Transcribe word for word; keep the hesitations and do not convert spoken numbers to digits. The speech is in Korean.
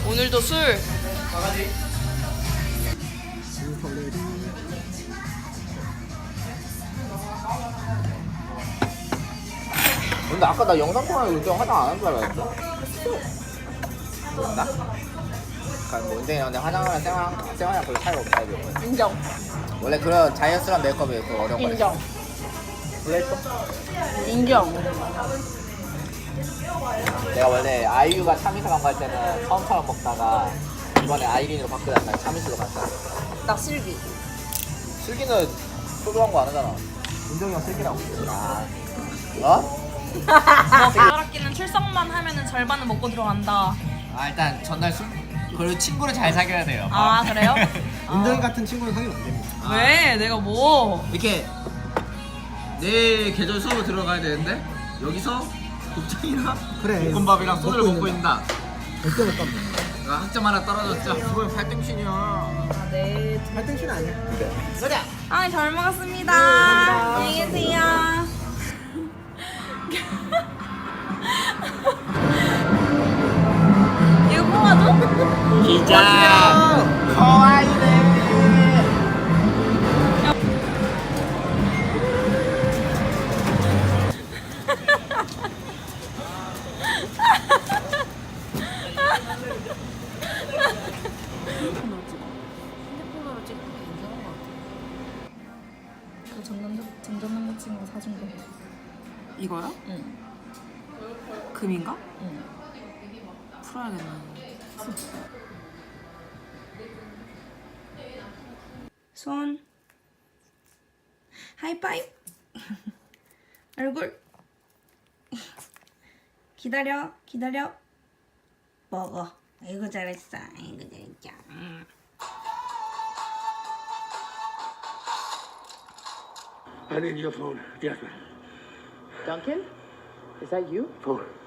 오늘도 술. 근데 아까 나 영상 통화에 은정 화장 안 한 줄 알았는데? 그런가? 그러니까 뭐 은정이랑 근데 화장하면 생활, 생활이랑 별 차이가 없다 이거. 인정. 원래 그런 자연스러운 메이크업이 그 어려운 거야. 인정. 그랬어? 인정. 내가 원래 아이유가 참이슬 광고 할 때는 처음처럼 먹다가 이번에 아이린으로 바꾸다가 참이슬로 갔다. 나 슬기. 슬기는 소주 광고 안 하잖아. 은정이랑 슬기라고. 아. 어? 젓가락기는 출석만 하면은 절반은 먹고 들어간다. 아 일단 전날 술 그리고 친구를 잘 사귀어야 돼요. 아 그래요? 은정이 같은 친구는 사귀면 안 됩니다. 아. 왜? 내가 뭐? 이렇게 내 계절 수업을 들어가야 되는데 여기서 곱창이랑 그래. 볶음밥이랑 소주를 먹고 먹고 있는다. 있다. 절대 못 갑니다. 아, 학점 하나 떨어졌죠. 그건 팔등신이야. 아, 네. 팔등신 아니야. 그래. 아, 잘 먹었습니다. 감사합니다. 안녕히 계세요. 이거 뽑아줘? 기자. 커와이네. 핸드폰으로 찍는 게 괜찮은 것 같아. 그 전전 전전 남자친구가 사준 거. 이거요? 응. 금인가? 응. 풀어야겠네. 손. 하이파이브. 얼굴. 기다려, 기다려. 먹어. 아이고 잘했어. 아이고 잘했죠. 음. I need your phone, Jasmine. Duncan? Is that you? Phone.